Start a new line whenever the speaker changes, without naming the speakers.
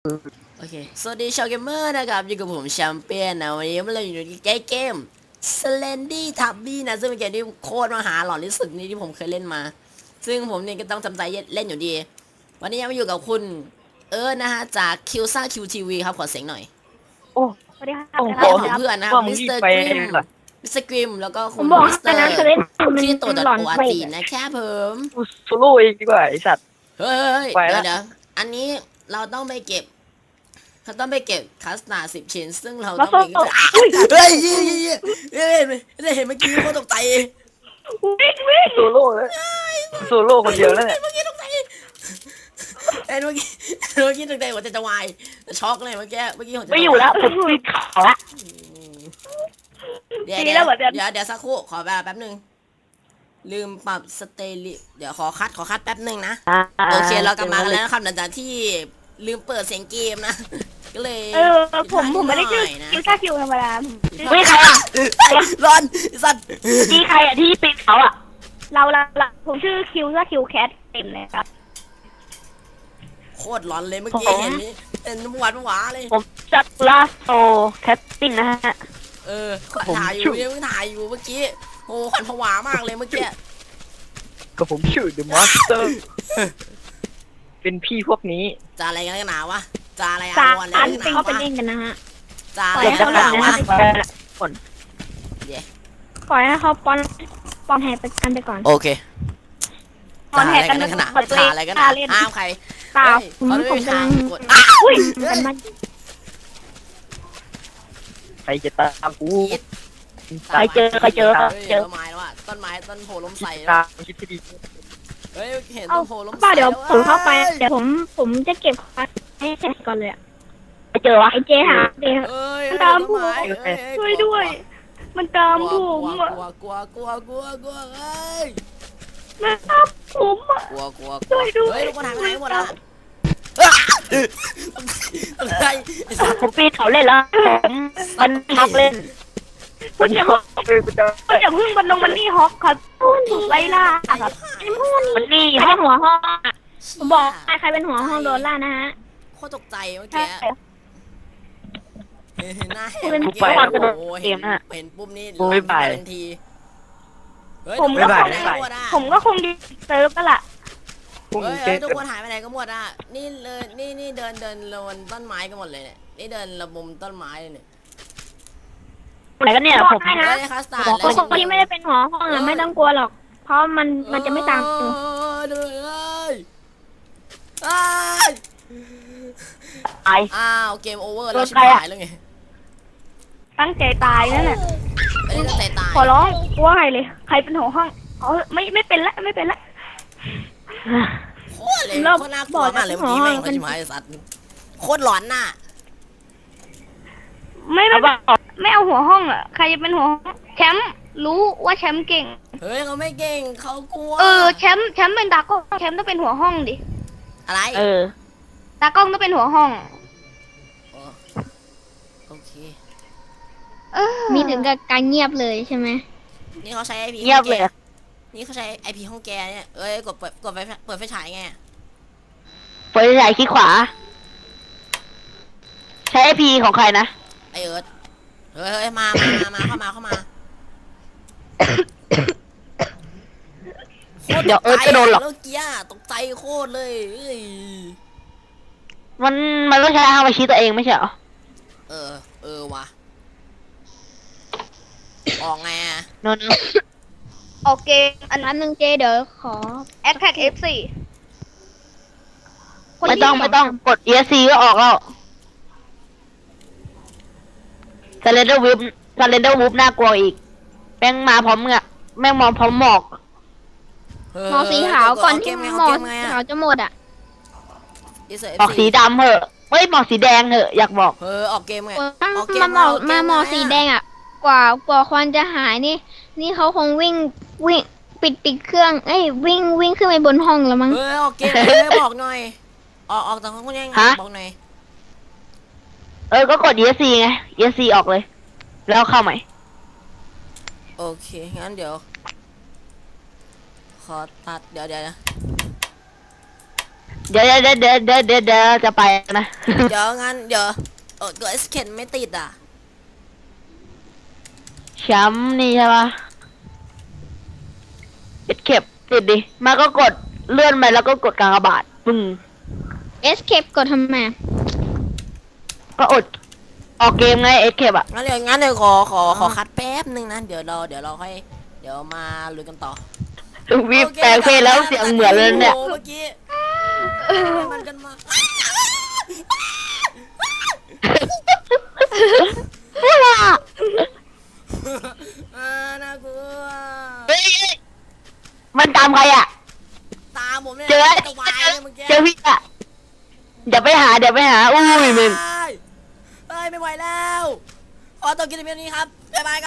โอเคสวัสดีชาวเกมเมอร์นะครับอยู่กับผมแชมเปี้ยนนะวันนี้เราอยู่ในเกม Slendy Tubby นะซึ่งเป็นเกมที่โคตรมหาหลอนที่สุดนี้ที่ผมเคยเล่นมาซึ่งผมเนี่ยก็ต้องจำใจเล่นอยู่ดีวันนี้ยังมาอยู่กับคุณนะฮะจากคิวซ่าคิวทีวีครับขอเสียงหน่อย
โอ้
สวัสดีครับ
โอ้โห
และของเพื่อนนะครับ
ว่ามึ
มิ
ง
ส
รี
เตอบ ร์
ไป
กริม
เหรอ
มิสเตอร์กริมแล้วก็
ผ
คุ
ม
ณ
บอก
มิสเตอ
อันนั้น
ร์
จะเล่นมัน
ที่ตัว
หลอน
ตัว
ไป
จีนนะครับผม
กูโซโล่เองดีกว่าไอสัตว์
เฮ้ย
ไป
เดี๋
แล้
ยว วเดี๋ยวอันนี้เราต้องไปเก็บคัสตาร์10 ชิ้นซึ่งเรา
มา
ต้อง
โซ่
ไป
อุ้ย
เฮ้ยได้เห็นเมื่อกี้เขาตกใจ
วิ่งวิ่ง
โซโล่แล้วโซโล่คนเดียวแล้วเนี่ย
เมื่อกี้ตกใจเอ็นเมื่อกี้ตกใจหัวใจจะวายช็อกเลยเมื่อกี้หัวใจ
ไม่อยู่แล้วผมปิดเขาละ
เดี๋ยวสักครู่ขอเวลาแป๊บนึงลืมปรับสเตลิเดี๋ยวขอคัดแป๊บนึงนะโอเคเรากลับมากันแล้วนะครับหลังจากที่ลืมเปิดเสียงเกมนะก็เลย
ผมไม่ได้ชื่อคิวซ่าคิวธรรมดา
ไม่ใครอ่ะ
ร้อนสัตว์
มีใครอ่ะที่ปิดเขาอ่ะ
เราผมชื่อคิวซ่าคิวแคทเต็มเลยครับ
โคตรร้อนเลยเมื่อกี้เห็นนี่เป็นหวานเลย
ผมจัดลาโซแคสติ้งนะฮะ
ถ่ายอยู่เมื่อกี้โอ้ขวัญผวามากเลยเมื่อกี้
ก็ผมชื่อ The Master เป็นพี่พวกนี้
จะอะไรกันหนาวะจะอะไร
สา
วัน
อัน
ห
เป็น
นาว
เขาเป็น
วะ
เองกันนะฮะ
จะอะไร
เดี๋ยว
กั
จะ
นห
หลั
นาง ว
นะ
วะ
คน
ปล่อยให้เขาปอนแหกไปกันไปก่อน
โอเค
ปอนแหกกัน
ขนาด
เปิดตัวเอง
อะไรกัน
เล่น
อ้าวใคร
เปล่า
เขาไม่
ผม
มี
กำ
ทา
ลั
ง
ง
กด
อุ้ยกันมา
ใครจะตามกู
คิด
ใครเจอ
ต้นไม้แล้วอะต้นโพล้มใส่
ตามคิดที่ดี
เฮ้ยเห็น
เอา
ต้นโพล้มใส่
ป้าเดี๋ยวผมเข้าไปเดี๋ยวผมจะเก็บให้เสร็จก่อนเลยอะ
ไปเจอวะ
ไอเจหาเดี๋ยว
เอ้ย
มันตามผม
ต้นไ
ช่วยด้วย มันตามผม
ก
อะ
ลัวเอ้ย
มันตามผมอะ
กลัว
ช่วยด้วย
เฮ้ยทุกคนหายไปไหนหมดอะอะไรไอ้สัตว์
ผมปีนเขาเล่นแล้วผมมันพักเล่นผมจะกูจะ
ก็อย่าเพึ่งมันลงมันนี่ฮอกครับถูกไล่ล่าครับไอ้พูด
มันนี่
ใครเป็นหัวห้องอะผมบอกใครเป็นหัวห้องโดนล่านะฮะ
โคตรตกใจเมื่อ
ใช่
กี้เห็นหน้าเห็น
เป็น
เมื่อกี้ โอ้โหเห็นปุ๊บนี่ทันทีเฮ้ย
ผมก็
ทุ
ค
คน
ง
หายไปไหนหมดอ่ะ
ผมก็คงดีเซิร์ฟก็ล่ะ
พุ่ง
เฮ้ย
เจ๊
ทุกคนหายไปไหนกันหมดอ่ะนี่เลยนี่เดินลงต้นไม้กันหมดเลยเนี่ยนี่เดินระมุมต้นไม้เลยเนี่ย
ไหนกันเนี่ยผม
ไม่ได้คัสตาร์ด
คนที่ไม่ได้เป็นหัวห้องอะไม่ต้องกลัวหรอก เพราะมันจะไม่ตาม
ดูเลย
ตาย
อ้าวเกมโอเวอร์แล้วชิบหายแล้วไง
ตั้งใจตายนั่นแหละ
ไม่ได้ตั้งใจตาย
ขอร้องกลัวใครเลย ใครเป็นหัวห้องอ๋อไม่เป็นละ
โคตรเลยโคตรน่ากลัวมากเลยเมื่อกี้แม่งมันชิบหายสัตว์โคตรหลอนน่ะ
ไม่เอาหัวห้องอ่ะ ใครจะเป็นหัวห้องแชมป์รู้ว่าแชมป์เก่ง
เฮ้ยเขาไม่เก่งเขากลัว
แชมป์เป็นตากล้องแชมป์ต้องเป็นหัวห้องดิ
อะไร
ตากล้องต้องเป็นหัวห้อง
โอเค
มีถึงกับการเงียบเลยใช่ไหม
นี่เขาใช้ไอพี
เงียบเลย
นี่เขาใช้ไอพีห้องแกเนี่ยเอ้ยกดเปิดไฟฉายไง
เปิดใหญ่ขี้ขวา ใช้ไอพีของใครนะ
ไอเอิร์ธเฮ้ยมาเข้ามา
เดี๋ยวเอิร์ธจะโดนหรอก
เมื่อกี้ตกใจโคตรเลยเอ้ย
มันต้องใช้ฮามาชิตัวเองไม่ใช่เหรอ
ว่ะออกไงอ่ะ
โนน
ออกเกมอันนั้นหนึ่งเจเดี๋ยวขอแอดแท็ก F4
ไม่ต้องกด ESC ก็ออกแล้วซาเลนเดอร์วูฟน่ากลัวอีกแม่งมาพร้อมเงะแม่งมองพร้อมหมอก
หมอสีขาวก่อนที่หมอสีขาวจะหมดอ่ะ
หมอกสีดำเหอะเฮ้ยหมอกสีแดงเหอะอยากบอก
ออกเกมไง
มาหมอสีแดงอ่ะ กว่าควันจะหายนี่เขาคงวิ่งปิดเครื่องวิ่งขึ้นไปบนห้องแล้วมั้ง
ออกเกมบอกหน่อยออกจากห้องคุณยังบอกหน่อย
ก็กด ESC ไง ESC ออกเลย แล้วเข้าใหม่
โอเคงั้นเดี๋ยวขอตัดเดี๋ยวนะ
เดี๋ยวจะไปนะ
เดี๋ยวงั้นเดี๋ยวเกิดเข็นไม่ติดอ่ะ
แชมป์นี่ใช่ปะเข็บติดดิมาก็กดเลื่อนไปแล้วก็กดกากบาทปึ้ง
escape กดทำไม
ก็อดออกเกมไงเข็บอ่ะ
งั้นเดี๋ยวขอคัดแป๊บนึงนะเดี๋ยวเราค่อยเดี๋ยวมาลุยกันต่อ
วิบแต่งเพลงแล้วเสียงเหมือนเลยเนี่ย
โอ้เมื่อกี้มันกันมา น่ากลัว
เฮ้ยมันตามใครอ่ะ
ตาผมเนี่ย
เจอ
จะวายเลยเมื่อกี้
เจอพี่อ่ะเดี๋ยวไปหาอุ้ยมึง
เฮ้ยไม่ไหวแล้วขอตัวกินเพียงนี้ครับบ๊ายบาย